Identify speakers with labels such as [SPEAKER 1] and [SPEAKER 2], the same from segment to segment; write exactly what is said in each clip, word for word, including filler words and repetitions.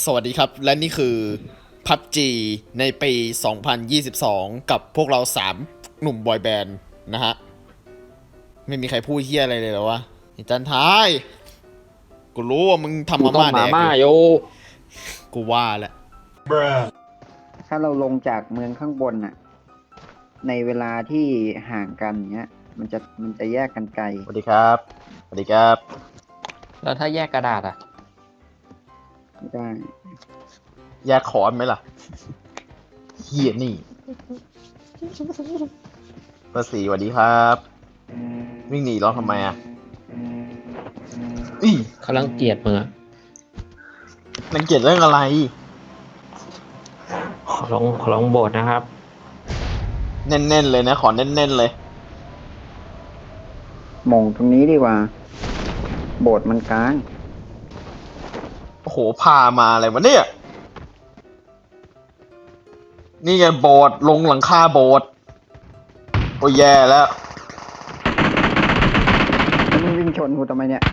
[SPEAKER 1] สวัสดีครับและนี่คือ พับจี ในปี สองพันยี่สิบสอง กับพวกเราสามหนุ่มบอยแบนด์นะฮะ ไม่มีใครพูดเฮี้ยอะไรเลยเหรอวะไอ้จันทายกูรู้ว่ามึงทำมาม่าแดกอยู่กูว่าแหละ
[SPEAKER 2] ถ้าเราลงจากเมืองข้างบนน่ะในเวลาที่ห่างกันเนี้ยมันจะมันจะแยกกันไกล
[SPEAKER 3] สวัสดีครับสวัสดีครับ
[SPEAKER 4] แล้วถ้าแยกกระดาษอ่ะ
[SPEAKER 2] ไม่ได้
[SPEAKER 3] แยกคอนไหมล่ะเฮียนี่เบอร์สี่สวัสดีครับวิ่งหนีร้องทำไมอ่ะอี
[SPEAKER 4] เขารังเกียจมึงอะ
[SPEAKER 3] รังเกียจเรื่องอะไร
[SPEAKER 4] ขอลองขอลองโบสนะครับ
[SPEAKER 3] แน่นๆเลยนะขอแน่นๆเลย
[SPEAKER 2] มงตรงนี้ดีกว่าโบสถ์มันกลาง
[SPEAKER 3] โอ้โหพามาอะไรวะเนี่ยนี่ไงโบสถ์ลงหลังคาโบสถ์โอ้ยแย่แล้ว
[SPEAKER 2] มึงวิ่งชนกูทำไมเนี่ย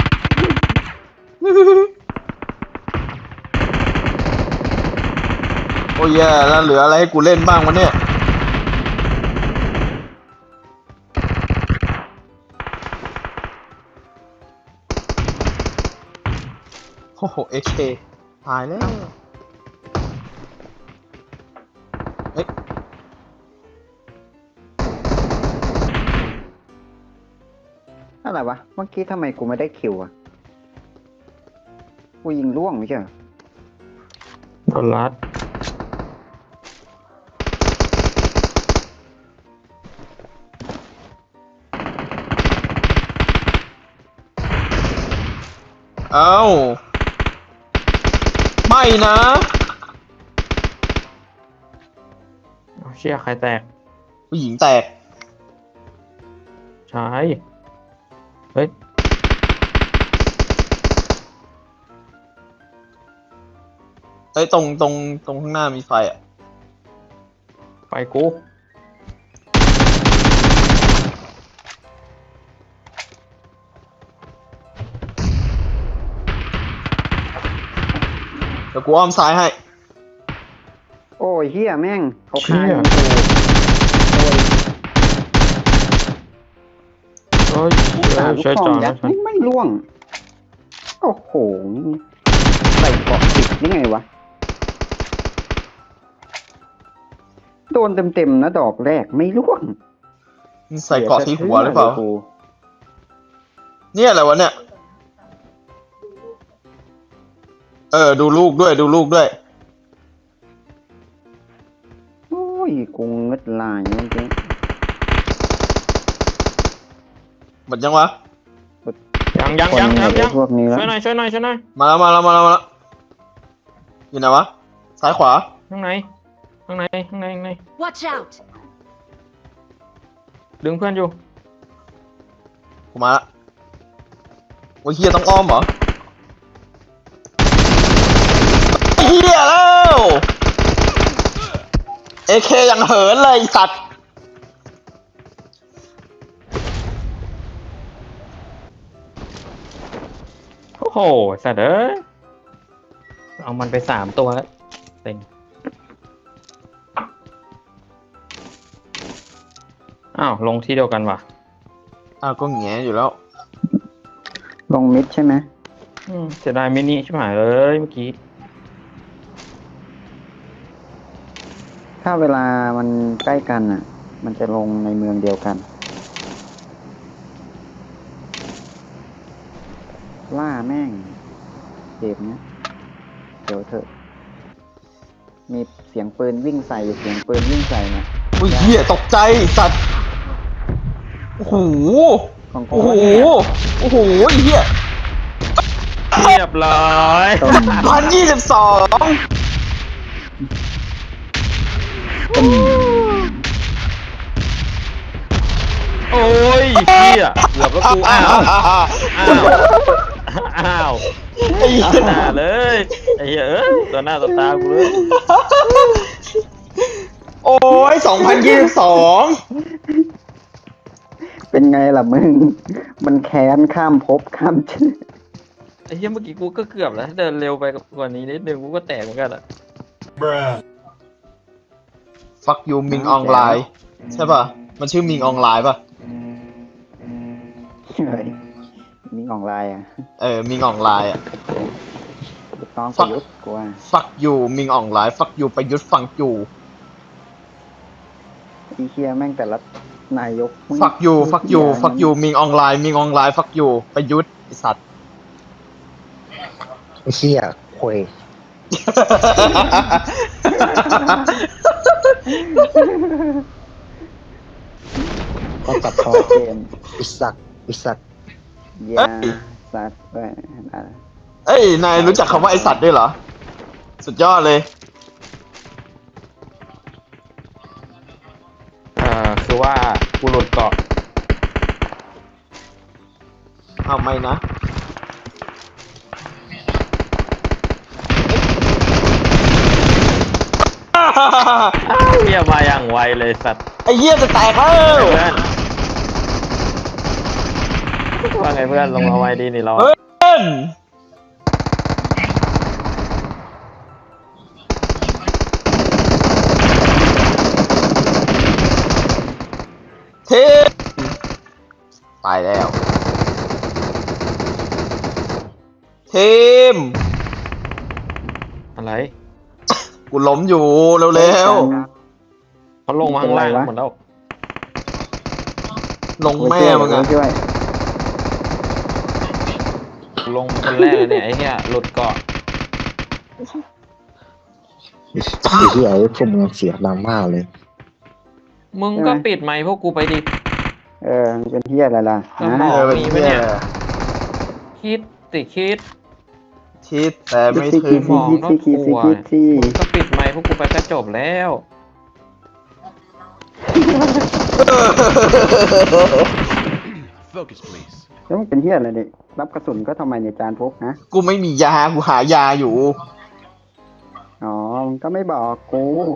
[SPEAKER 3] โอ้ยแย่แล้วเหลืออะไรให้กูเล่นบ้างวะเนี่ยโอ้โหเอเคตายแล้วเฮ้ย
[SPEAKER 2] อะไรวะเมื่อกี้ทำไมกูไม่ได้คิวอ่ะกูยิงล่วงไม่ใช่เหรอ
[SPEAKER 4] โดนรัด
[SPEAKER 3] เอ้าไม่นะ
[SPEAKER 4] เชี่ยใครแตก
[SPEAKER 3] ผู้หญิงแตก
[SPEAKER 4] ใช่เฮ้ย
[SPEAKER 3] เอ้ยตรงตรงตรงข้างหน้ามีไฟอ่ะ
[SPEAKER 4] ไฟกู
[SPEAKER 3] เดี๋ยวกูอ้อมซ้ายให้
[SPEAKER 2] โอ้ยเฮียแม่งเขาฆ่ายิง
[SPEAKER 4] กูโอ้ย
[SPEAKER 2] สามลูกซองยัดไม่ไม่ล่วงโอ้โหใส่เกาะติดยังไงวะโดนเต็มๆนะดอกแรกไม่ล่วง
[SPEAKER 3] ใส่เกาะที่หัวหรือเปล่าเนี่ยอะไรวะเนี่ยเออดูลูกด้วยดูลูกด้วย
[SPEAKER 2] โอ้ยกุ้งเงึดลายเมื่อกี้
[SPEAKER 3] หมดยังวะ
[SPEAKER 4] ยังยังยังยังยัง
[SPEAKER 2] พวกนี้แล้ว
[SPEAKER 4] ช่วยหน่อยช่วยหน่อยช่วยหน่อย
[SPEAKER 3] มาแล้วมาแล้วมาแล้วมาแล้วอยู่ไหนวะซ้ายขวา
[SPEAKER 4] ข้างในข้างในข้างในข้างใน
[SPEAKER 5] Watch out
[SPEAKER 4] ดึงเพื่อนอยู่
[SPEAKER 3] ผมมาละโอ้ยเฮียต้องอ้อมเหรอเฮียแล้วเอเคยังเหินเลยสัตว์
[SPEAKER 4] โอ้โหสัตว์เอ้ยเอามันไปสามตัวแล้วเต็งอ้าวลงที่เดียวกันว่ะ
[SPEAKER 3] อ้าวก็แงอยู่แล้ว
[SPEAKER 2] ลงมิดใช่ไหม
[SPEAKER 4] อืมเสียดายมินิชิบหายเลยเมื่อกี้
[SPEAKER 2] ถ้าเวลามันใกล้กันอ่ะมันจะลงในเมืองเดียวกันล่าแม่งเกมเนี้ยเดี๋ยวเถอะมีเสียงปืนวิ่งใส่เสียงปืนวิ่งใส่เนี่ย
[SPEAKER 3] โอ้ยเฮียตกใจสัตว์โอ้โหโอ้โหโอ้โหเฮีย
[SPEAKER 4] เรียบร้อย
[SPEAKER 3] พันยี่สิบสอง
[SPEAKER 4] โอ้ยเฮียเกือบแล้วกูอ้าวอ้าวอ้าวไอ้หน้าเลยไอ้เหี้ยเอ้ยตัวหน้าตัวตากูเลย
[SPEAKER 3] โอ้ยสองพันยี่สิบสอง
[SPEAKER 2] เป็นไงล่ะมึงมันแค้นข้ามภพข้ามชาติ
[SPEAKER 4] อ้เหี้ยเมื่อกี้กูก็เกือบแล้วถ้าเดินเร็วไปกว่านี้นิดนึงกูก็แตกเหมือนกันอะ
[SPEAKER 3] ฟักยูมิงออนไลน์ใช่ป่ะ มันชื่อมิงออนไลน์ป่ะ
[SPEAKER 2] เฮ้ยมีออนไลน์อ่ะ
[SPEAKER 3] เออ มิงออนไลน์อ่ะ
[SPEAKER 2] ลูกน้องประยุทธ์กูว่า
[SPEAKER 3] ฟักยูมิงออนไลน์ฟักยูประยุทธ์ฟังยู
[SPEAKER 2] ไอีเคียแม่งแต่ละนายกมึง
[SPEAKER 3] ฟักยูฟักยู
[SPEAKER 2] เหี้ย
[SPEAKER 3] ฟักยูมิงออนไลน์มิงออนไลน์ฟักยูประยุทธ์ไอสัตว์
[SPEAKER 5] ไอ้เหี้ยคุยก็ตัดพอ
[SPEAKER 2] เกม
[SPEAKER 5] อิสักอิสัก
[SPEAKER 2] ยาสัตว์เว้ยอะไร
[SPEAKER 3] เอ้ย นายรู้จักคำว่าไอสัตว์ด้วยเหรอ สุดยอดเลย
[SPEAKER 4] อ่าคือว่ากูหลุดเกาะ
[SPEAKER 3] เอาไม่นะ
[SPEAKER 4] เหี้ยมาอย่างไวเลยสัตว์
[SPEAKER 3] ไอ้เหี้ยจะแตกแล้ว
[SPEAKER 4] เพื่อนว่าไงเพื่อนลงมาไวดีนี่เรา
[SPEAKER 3] เฮ้ยเทมตายแล้ว เทม
[SPEAKER 4] อะไร
[SPEAKER 3] กูล้มอยู่เร็ว
[SPEAKER 4] เขาลงมาข้างล่างหมดแล้ว
[SPEAKER 3] ๆ ลงแม่มึงอะ
[SPEAKER 2] ช่วย
[SPEAKER 4] ลงคนแรกเลยเนี่ยไอ้เหี้ยหลุดเกาะ
[SPEAKER 5] ไอ้เหี้ยไอ้พวกมึงเสียงดังมากเลย
[SPEAKER 4] มึงก็ปิดไมค์พวกกูไปดิ
[SPEAKER 2] เออมันเป็นเฮียอะไรล่ะ
[SPEAKER 4] สม
[SPEAKER 2] ฮะ
[SPEAKER 4] อง
[SPEAKER 3] เออเป็น
[SPEAKER 4] มีไหม
[SPEAKER 3] เหี้ย
[SPEAKER 4] เนี่ย คิดติคิด
[SPEAKER 3] คิดแต่ไม่
[SPEAKER 2] คิด
[SPEAKER 3] ถึง
[SPEAKER 2] คิดคิดคิดคิดคิดคิดที่
[SPEAKER 4] มึงก็ปิดไมค์พวกกูไปก็จบแล้ว
[SPEAKER 6] Focus, please.
[SPEAKER 2] แล้วมันเป็นเฮียอะไรเนี่ยรับกระสุนก็ทำไมเนี่ยจานพกนะ
[SPEAKER 3] กูไม่มียา กูหายาอยู่
[SPEAKER 2] อ๋อมึงก็ไม่บอกกู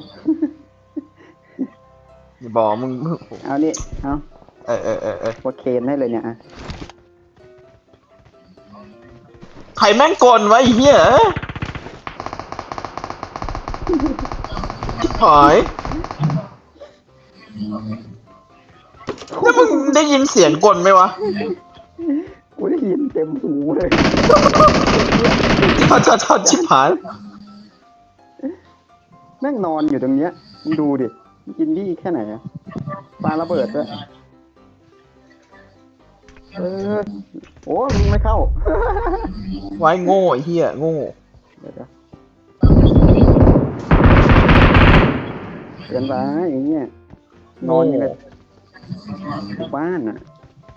[SPEAKER 3] อย่าบอกมึง
[SPEAKER 2] เอานี่เอา
[SPEAKER 3] เออเออเออเออ
[SPEAKER 2] โอเคนให้เลยเนี่ยอ่ะ
[SPEAKER 3] ใครแม่งกลวะไอ้เหี้ยชิบหายแล้วมึงได้ยินเสียงกลไหมวะ
[SPEAKER 2] กูได้ยินเต็มหูเลย
[SPEAKER 3] ชอดชอดชอดชิบหาย
[SPEAKER 2] แม่งนอนอยู่ตรงเนี้ยมึงดูดิมันกินดีแค่ไหนอะปลาระเบิดด้วยเออโอ้มึงไม่เข้า
[SPEAKER 3] ไว้โง่ไอ้เหี้ยโง่
[SPEAKER 2] เดี๋ยวนะเกินไปอย่างเงี้ยนอนอยู่กับบ้านอ่ะ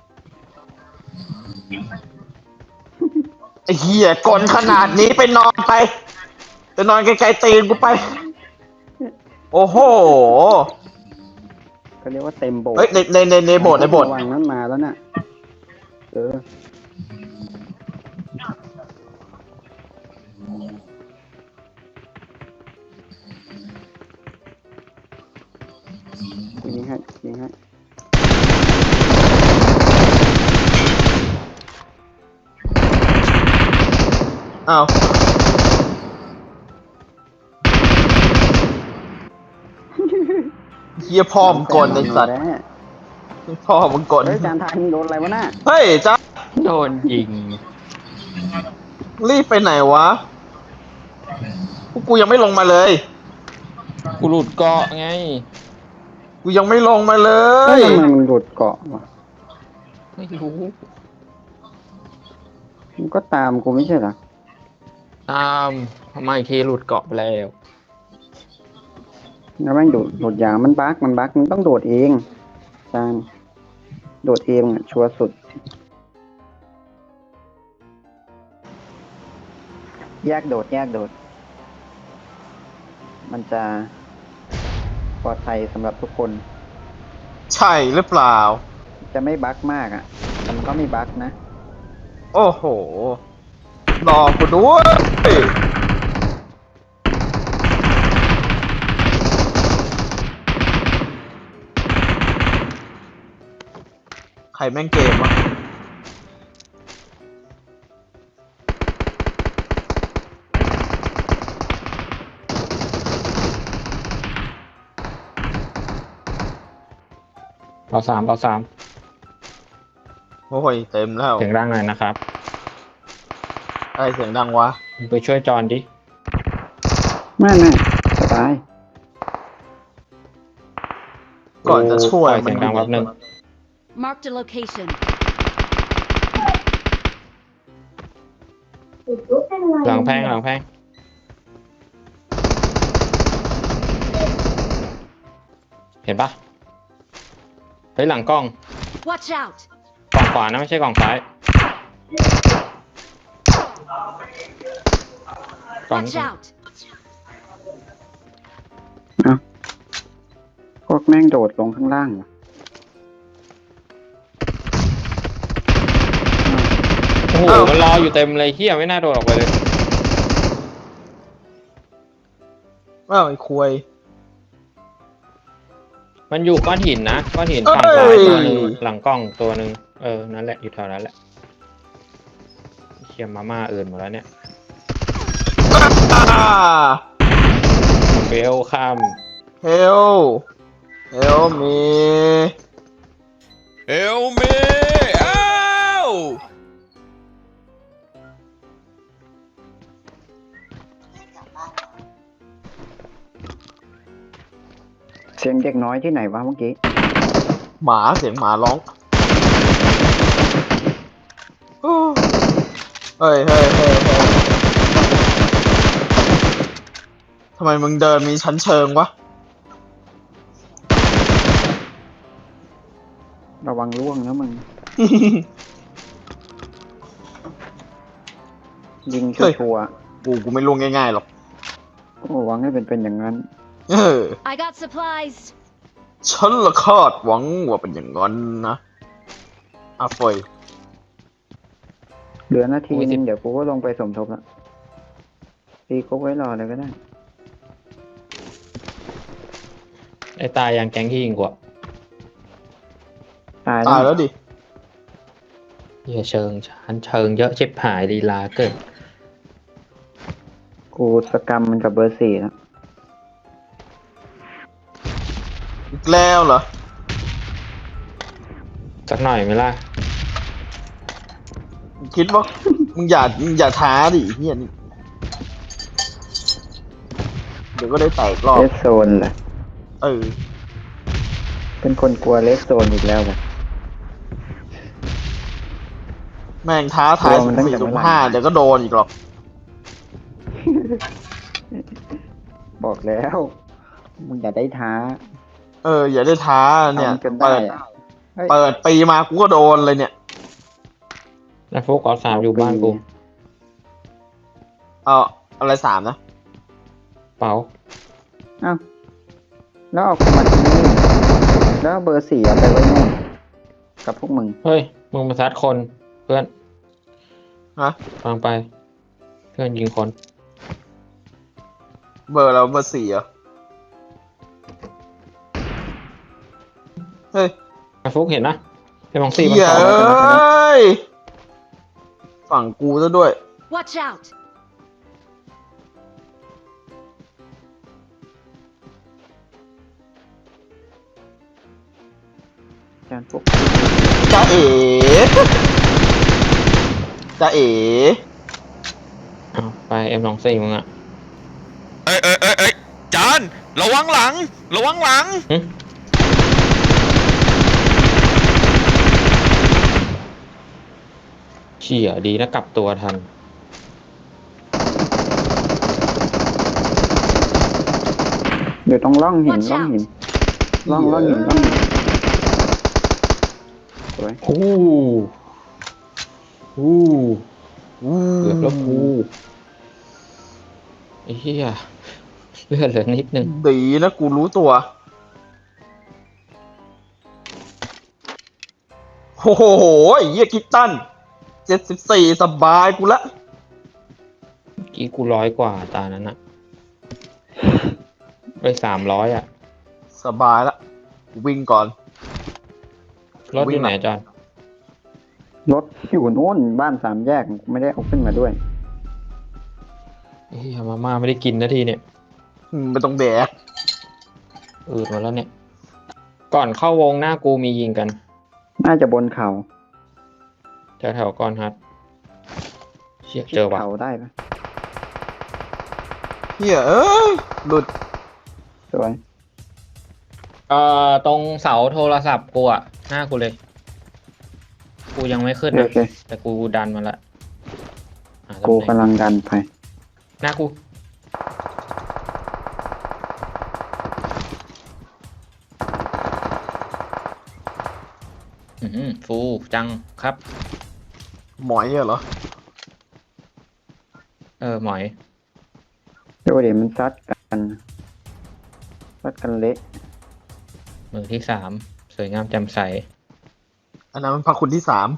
[SPEAKER 3] ไอ้เหี้ยกลขนาดนี้ไปนอนไปไปนอนไกลๆตีนกูไป โอ้โห
[SPEAKER 2] เขาเรียกว่าเต็มโบสถ์
[SPEAKER 3] เฮ้ยในในในในโบสถ์ในโบสถ์
[SPEAKER 2] ระวังนั้นมาแล้วน่ะเออกูยิงให้ยิงให้
[SPEAKER 3] อ้าวเหี้ยพ่อมึงกลไอ้สัตว์
[SPEAKER 2] แล้ว
[SPEAKER 3] พ่อมึงกล
[SPEAKER 2] เฮ้ยจานทายมึงโดนอะไรวะน่ะ
[SPEAKER 3] เฮ้ยจ้า
[SPEAKER 4] โดนยิง
[SPEAKER 3] รีบไปไหนวะพวกกูยังไม่ลงมาเลย
[SPEAKER 4] กูหลุดเกาะไง
[SPEAKER 3] กูยังไม่ลงมาเล
[SPEAKER 2] เฮ้
[SPEAKER 3] ย
[SPEAKER 2] ยทำไมมึงหลุดเกาะวะ
[SPEAKER 4] ไม่รู้
[SPEAKER 2] มึงก็ตามกูไม่ใช่เหรอ
[SPEAKER 4] ตามทำไมเคหลุดเกาะไปแล้ว
[SPEAKER 2] แล้วแม่งโดดโดดยางมันบั๊กมันบั๊กมึงต้องโดดเองจานโดดเองอ่ะชัวร์สุด แยกโดดแยกโดด มันจะปลอดภัยสำหรับทุกคน
[SPEAKER 3] ใช่หรือเปล่า
[SPEAKER 2] จะไม่บั๊กมากอ่ะแต่มันก็ไม่บั๊กนะ
[SPEAKER 3] โอ้โหรอกูด้วยใครแม่งเกมวะ
[SPEAKER 4] เอาสามเอาสาม
[SPEAKER 1] โอ้ยเต็มแล้ว
[SPEAKER 4] เสียงดังหน่อยนะครับ
[SPEAKER 1] อะไรเสียงดังวะ
[SPEAKER 4] ไปช่วยจอนดิ
[SPEAKER 2] ไม่ไม่สบาย
[SPEAKER 1] ก่อนจะช่วย
[SPEAKER 4] ปล่อเสียงดังแป๊บนึง
[SPEAKER 7] Marked a location.
[SPEAKER 4] หลังแพงหลังแพงเห็นปะเฮ้ยหลังกล้อง
[SPEAKER 7] Watch out!
[SPEAKER 4] กล่องขวานะไม่ใช่กล่องซ้ายกล่อง
[SPEAKER 7] Watch out!
[SPEAKER 2] เอาพวกแม่งโดดลงข้างล่างว่ะ
[SPEAKER 4] โอ้โหมันรออยู่เต็มเลยเฮียไม่น่าโดดออกไปเลย
[SPEAKER 1] อ้าวไอ้ควย
[SPEAKER 4] มันอยู่ก้อนหินนะก้อนหินฝั่งซ้ายตัวหนึ่งหลังกล้องตัวหนึ่งเออนั่นแหละอยู่แถวนั้นแหละเคียมาม่าอื่นหมดแล้วเนี่ย
[SPEAKER 1] อ่า
[SPEAKER 4] เบลข้าม
[SPEAKER 1] เฮลเฮลมีเฮลมีอ้าว
[SPEAKER 2] เสียงเด็กน้อยที่ไหนวะเมื่อกี้
[SPEAKER 1] หมาเสียงหมาร้องโอ้เฮ้ยเฮ้ยเฮ้ยเฮ้ยทำไมมึงเดินมีชั้นเชิงวะ
[SPEAKER 2] ระวังร่วงนะมึง ยิงชัวร์
[SPEAKER 1] กูกูไม่ล่วงง่ายๆหรอก
[SPEAKER 2] ๆโอ้หวังให้เป็นเป็นอย่างนั้น
[SPEAKER 1] เออ
[SPEAKER 7] I got supplies.
[SPEAKER 1] ฉันละคาดหวังว่าเป็นอย่างนั้นนะอาเฟย
[SPEAKER 2] เหลือนาทีนึงเดี๋ยวกูก็ลงไปสมทบแล้วตีกูไว้รอเลยก็ได้
[SPEAKER 4] ไอ้ตายยังแก๊งที่ยิงกว่า
[SPEAKER 2] ตาย
[SPEAKER 1] ตาย
[SPEAKER 2] แล้
[SPEAKER 1] แล้ว วดิ
[SPEAKER 4] เฮียเชิงชันเชิงเยอะชิบหายลีลาเกิน
[SPEAKER 2] กูสกรรมมันกับเบอร์สี่แล้ว
[SPEAKER 1] อีกแล้วเหรอ
[SPEAKER 4] สักหน่อยไหมล่ะ
[SPEAKER 1] คิดว่า มึงอย่ามึงอย่าท้าดิเฮียนี่เดี๋ยวก็ได้แตกรอบ
[SPEAKER 2] เลสโซนแหละ
[SPEAKER 1] เออ
[SPEAKER 2] เป็นคนกลัวเลสโซนอีกแล้วแหละ
[SPEAKER 1] แม่งท้าทาย
[SPEAKER 2] กลัวมั
[SPEAKER 1] สุ่
[SPEAKER 2] น
[SPEAKER 1] ม
[SPEAKER 2] ตั้ง
[SPEAKER 1] สี่
[SPEAKER 2] แต่
[SPEAKER 1] สุ่ม
[SPEAKER 2] เมื่อไหร่
[SPEAKER 1] ห้าเดี๋ยวก็โดนอีกหรอก
[SPEAKER 2] บอกแล้ว มึงอย่าได้ท้า
[SPEAKER 1] เออ อย่าได้ท้าเนี่ย
[SPEAKER 2] ทำจนได้
[SPEAKER 1] เปิด
[SPEAKER 2] อะเฮ้ย
[SPEAKER 1] เปิดปีมากูก็โดนเลยเนี่ย
[SPEAKER 4] แล้วพวกออสามอยู่บ้านกู
[SPEAKER 1] เอาอะไรสามนะ
[SPEAKER 4] เป๋า
[SPEAKER 2] เอ้าแล้วเอากูมาที่นี่แล้วเอาเบอร์สี่เอาไปไว้นู่นกับพวกมึง
[SPEAKER 4] เฮ้ย มึงมาซัดคนเพื่อน
[SPEAKER 1] ฮะ
[SPEAKER 4] ฟังไป เพื่อนยิงคน
[SPEAKER 1] เบอร์เราเบอร์สี่เหรอ เฮ้ย
[SPEAKER 4] ไอ้ฟุกเห็นนะไอ้มองซี่มัน
[SPEAKER 1] เหี้ย
[SPEAKER 4] ต่อ
[SPEAKER 1] เอ
[SPEAKER 4] แล้วกันนะ
[SPEAKER 1] ้ย ฝั่งกูซะด้วย
[SPEAKER 7] Watch out!
[SPEAKER 2] จานพวก
[SPEAKER 1] จ้าเอ๋จ้าเอ๋
[SPEAKER 4] เอาไปเอ็มสองสี่มึงอะ
[SPEAKER 1] เอ้ยเอ้ยเอ้ยเอ้ยจานระวังหลัง ระวังหลัง
[SPEAKER 4] หึเชี่ยดีนะกลับตัวทัน
[SPEAKER 2] อยู่ตรงร่องหิน
[SPEAKER 7] Watch
[SPEAKER 2] ร่อง
[SPEAKER 7] out
[SPEAKER 2] หินร่องร่องหินร่องหินสวย
[SPEAKER 4] ฮู้ฮู้เกือบแล้วกูไอ้เหี้ยเลือดเหลือนิดนึง
[SPEAKER 1] ดีนะกูรู้ตัว โอ้โหไอ้เหี้ยคิตตันเจ็ดสิบสี่สบายกูละ
[SPEAKER 4] เมื่อกี้กูร้อยกว่าตานั้นอะไปสามร้อยอะ
[SPEAKER 1] สบายละกูวิ่งก่อน
[SPEAKER 4] รถอยู่ไหนอาจารย์
[SPEAKER 2] รถอยู่โน่นบ้านสามแยกไม่ได้เอาขึ้นมาด้วย
[SPEAKER 4] เฮ้ยมาม่าไม่ได้กินนาทีเนี่ย
[SPEAKER 1] อืมไม่ต้องแดก
[SPEAKER 4] อืดหมาแล้วเนี่ย
[SPEAKER 8] ก่อนเข้าวงหน้ากูมียิงกัน
[SPEAKER 2] น่าจะบนเขา
[SPEAKER 8] แถวแถวๆก้อนฮัทเชี่ย
[SPEAKER 2] ชิด
[SPEAKER 8] เจอว่ะ
[SPEAKER 2] เขาได้ปะ
[SPEAKER 3] เฮียเอ้ยหลุด
[SPEAKER 2] สวย
[SPEAKER 8] เอ่อตรงเสาโทรศัพท์กูอะหน้ากูเลย กูยังไม่ขึ้น
[SPEAKER 2] โอ
[SPEAKER 8] นะ
[SPEAKER 2] เค
[SPEAKER 8] แต่กูดันมาละหาตำ
[SPEAKER 2] กู
[SPEAKER 8] แหน่ง
[SPEAKER 2] กำลังดันไป
[SPEAKER 8] หน้ากูอือหือฟูจังครับ
[SPEAKER 3] หมอยเหรอ
[SPEAKER 8] เออหมอย
[SPEAKER 2] เดี๋ยวเดี๋ยวมันซัดกันซัดกันเละ
[SPEAKER 8] มือที่สามสวยงามแจ่มใส
[SPEAKER 3] อันนั้นมันพระคุณที่สาม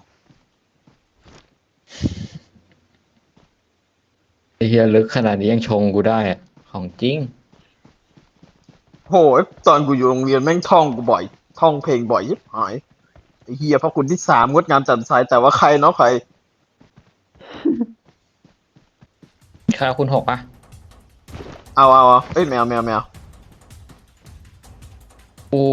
[SPEAKER 8] ไอ้เฮียลึกขนาดนี้ยังชงกูได้อะของจริง
[SPEAKER 3] โหยตอนกูอยู่โรงเรียนแม่งท่องกูบ่อย ท่องเพลงบ่อยยิบหายไอ้เฮียพระคุณที่สามงดงามแจ่มใสแต่ว่าใครเนาะใคร
[SPEAKER 8] ค่าคุณหกปะ
[SPEAKER 3] เอาเอาเอาเอ้ยแมวแมวแมว
[SPEAKER 8] กู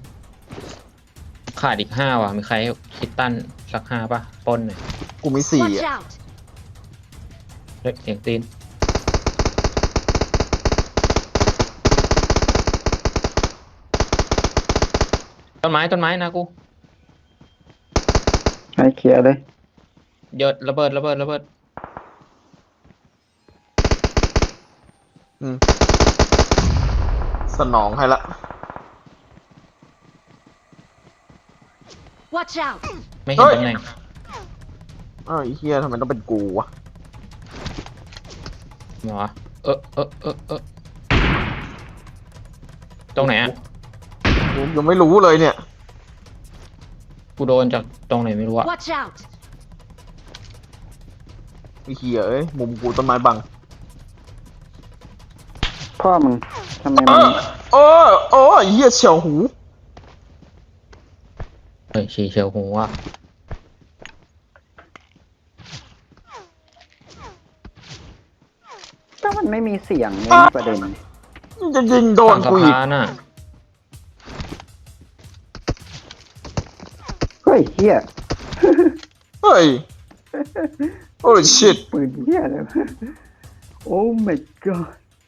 [SPEAKER 8] ขาดอีกห้าว่ะ มีใครให้คิดตั้นสักห้าปะปล้นหน่อย
[SPEAKER 3] กูมีสี่
[SPEAKER 7] Watch
[SPEAKER 3] อะ
[SPEAKER 7] out!
[SPEAKER 8] เฮ้ยเสียงตีน ต้นไม้ต้นไม้นะกู
[SPEAKER 2] ให้เคลียร์เลย
[SPEAKER 8] เยอะระเบิดระเบิดระเบิด
[SPEAKER 3] อืมสนองให้ละ
[SPEAKER 7] Watch out!
[SPEAKER 8] ไม่เห็นตำแหน่ง
[SPEAKER 3] อ้าวไอ้เฮียทำไมต้องเป็นกูวะ
[SPEAKER 8] หมอเออเออเออเออตรงไหนอ่ะ
[SPEAKER 3] กูยังไม่รู้เลยเนี่ย
[SPEAKER 8] กูโดนจากตรงไหนไม่รู้อะ
[SPEAKER 7] Watch out!
[SPEAKER 3] ไอ้เฮียเอ้ยมุมกูต้นไม้บัง
[SPEAKER 2] พ่อมึงทำไม
[SPEAKER 3] เอ
[SPEAKER 2] มัน
[SPEAKER 3] อโอ้โอ้ไอ้เฮียเฉียวหู
[SPEAKER 8] เฮ้ยฉีเชียวหูอ่ะ
[SPEAKER 2] ก็มันไม่มีเสียงเนี่ยนะประเด็น
[SPEAKER 3] มันจะยิงโดน
[SPEAKER 8] ฝั่งสะ
[SPEAKER 3] กูอีก
[SPEAKER 8] พานอ่ะ
[SPEAKER 2] เฮ้ยเฮีย
[SPEAKER 3] เฮ้ย โอ้ชิต
[SPEAKER 2] ปืนเฮียเลยวะโอ้ my god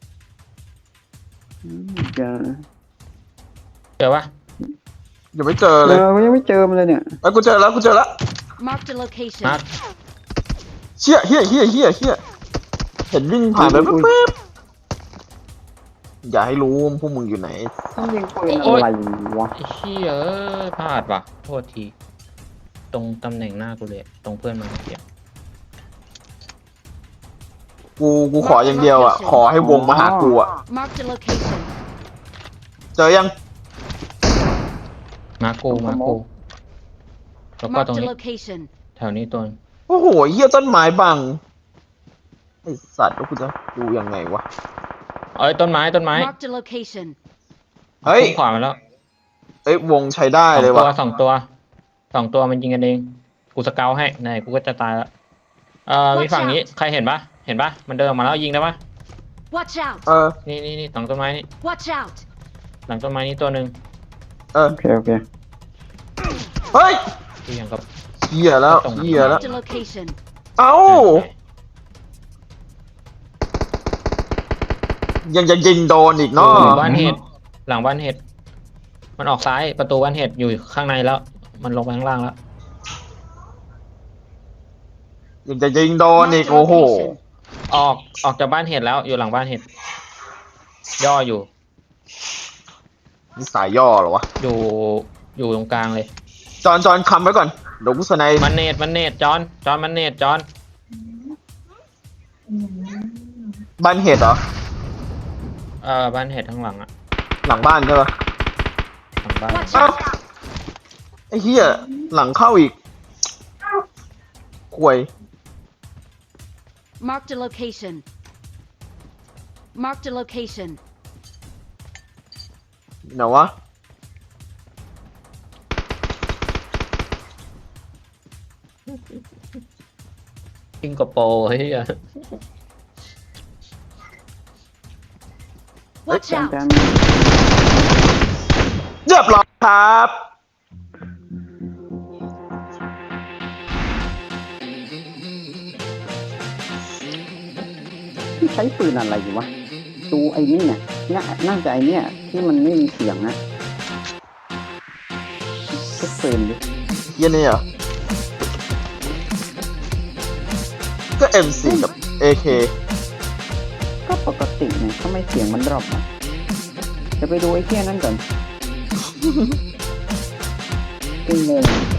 [SPEAKER 2] อืมอย่า
[SPEAKER 8] เจอปะ
[SPEAKER 3] ยังไม่เจอ
[SPEAKER 2] เอ
[SPEAKER 3] เลย
[SPEAKER 2] อยังไม่เจอมันเลยเนี่ย
[SPEAKER 3] ไอ้ยกูเจอแล้วกูเจอแล้ว
[SPEAKER 7] Marked a location.
[SPEAKER 8] นัด
[SPEAKER 3] เชี่ยเฮียเฮียเฮียเฮียเห็นวิ่งผ่านไป
[SPEAKER 2] อุ๊ย
[SPEAKER 3] แป๊บๆอย่าให้รู้ว่าพวกมึงอยู่ไหน
[SPEAKER 2] ต้องยิงปืนอะไรวะ
[SPEAKER 8] ไอ้เชี่ยเอ้ยพลาดว่ะ โทษที ตรงตำแหน่งหน้ากูเลย ตรงเพื่อนมันเก็บ
[SPEAKER 3] กูกูขออย่างเดียวอ่ะ ขอให้วงมาหากูอ่ะ
[SPEAKER 7] Marked a location.
[SPEAKER 3] เจอยัง
[SPEAKER 8] มากูมากูแล้วก็ตรง
[SPEAKER 7] Marked a
[SPEAKER 8] นี้
[SPEAKER 7] location.
[SPEAKER 8] แถวนี้ตัวนึง
[SPEAKER 3] โอ้โหเฮียต้นไม้บังไอสัตว์แล้วกูจะดูยังไงวะ
[SPEAKER 8] เอ้ยต้นไม้ต้นไม้
[SPEAKER 7] Marked a location.
[SPEAKER 3] เฮ้ย
[SPEAKER 8] พุ่งขวามาแล้ว
[SPEAKER 3] เอ้ยวงใช้ได้
[SPEAKER 8] สอง
[SPEAKER 3] เลย
[SPEAKER 8] ตัว
[SPEAKER 3] ว่ะ
[SPEAKER 8] สองตัวสองตัวมันยิงกันเอง กูสเกาให้ไหนกูก็จะตายแล้วเอ่อมีฝั่งนี้ใครเห็นปะเห็นปะมันเดินออกมาแล้วยิงได้ปะ
[SPEAKER 7] Watch out!
[SPEAKER 3] เออ
[SPEAKER 8] นี่นี่นี่หลังต้นไม้นี่
[SPEAKER 7] Watch out!
[SPEAKER 8] หลังต้นไม้นี่ตัวหนึ่ง
[SPEAKER 3] เออ
[SPEAKER 2] โอเคโอเค
[SPEAKER 3] เฮ้ย
[SPEAKER 8] ที่ยังกับ
[SPEAKER 3] เฮียแล้วเฮียแล้ว
[SPEAKER 7] Marked a location.
[SPEAKER 3] เอ้า ยังจะยิงโดนอีก
[SPEAKER 8] หลั
[SPEAKER 3] เนาะ
[SPEAKER 8] งบ้านเห็ดหลังบ้านเห็ดมันออกซ้ายประตูบ้านเห็ดอยู่ข้างในแล้ว มันลงไปข้างล่างแล้ว
[SPEAKER 3] ยังจะยิงโดนอีก
[SPEAKER 7] Marked a
[SPEAKER 3] โอ้โห
[SPEAKER 7] location.
[SPEAKER 8] ออกออกจากบ้านเห็ดแล้วอยู่หลังบ้านเห็ดย่ออยู่
[SPEAKER 3] นี่สายย่อเหรอวะ
[SPEAKER 8] อยู่อยู่ตรงกลางเลย
[SPEAKER 3] จอนจอนคำไว้ก่อนเดี๋ยวกูสไนป์
[SPEAKER 8] มันเนตมันเนตจอนจอนมันเนตจอน
[SPEAKER 3] บ้านเห็ดเหรอ
[SPEAKER 8] เอ่อบ้านเห็ดข้างหลังอะ
[SPEAKER 3] หลังบ้านใช่ปะ
[SPEAKER 8] หลังบ้าน
[SPEAKER 7] Watch
[SPEAKER 3] เอ้า
[SPEAKER 7] out!
[SPEAKER 3] ไอ้เหี้ยหลังเข้าอีกควย
[SPEAKER 7] Marked a location. Marked a location.
[SPEAKER 3] ไหนวะ
[SPEAKER 8] ซิงคโปร์เฮ้ย
[SPEAKER 7] Watch
[SPEAKER 2] จาน
[SPEAKER 7] out!
[SPEAKER 2] จาน
[SPEAKER 3] เรียบร้อยครับ
[SPEAKER 2] ที่ใช้ปืนอะไรอยู่วะดูไอ้นี่เนี่ยน่าน่าจะไอ้เนี่ยที่มันไม่มีเสียงนะเช็คปืนดิ
[SPEAKER 3] เหี้ยันนี่เหรอก็ เอ็ม โฟร์ กับ เอ เค
[SPEAKER 2] ก็ปกติเนี่ยทำไมเสียงมันดรอปอ่ะจะไปดูไอ้เที่ยนั่นก่อนกูงง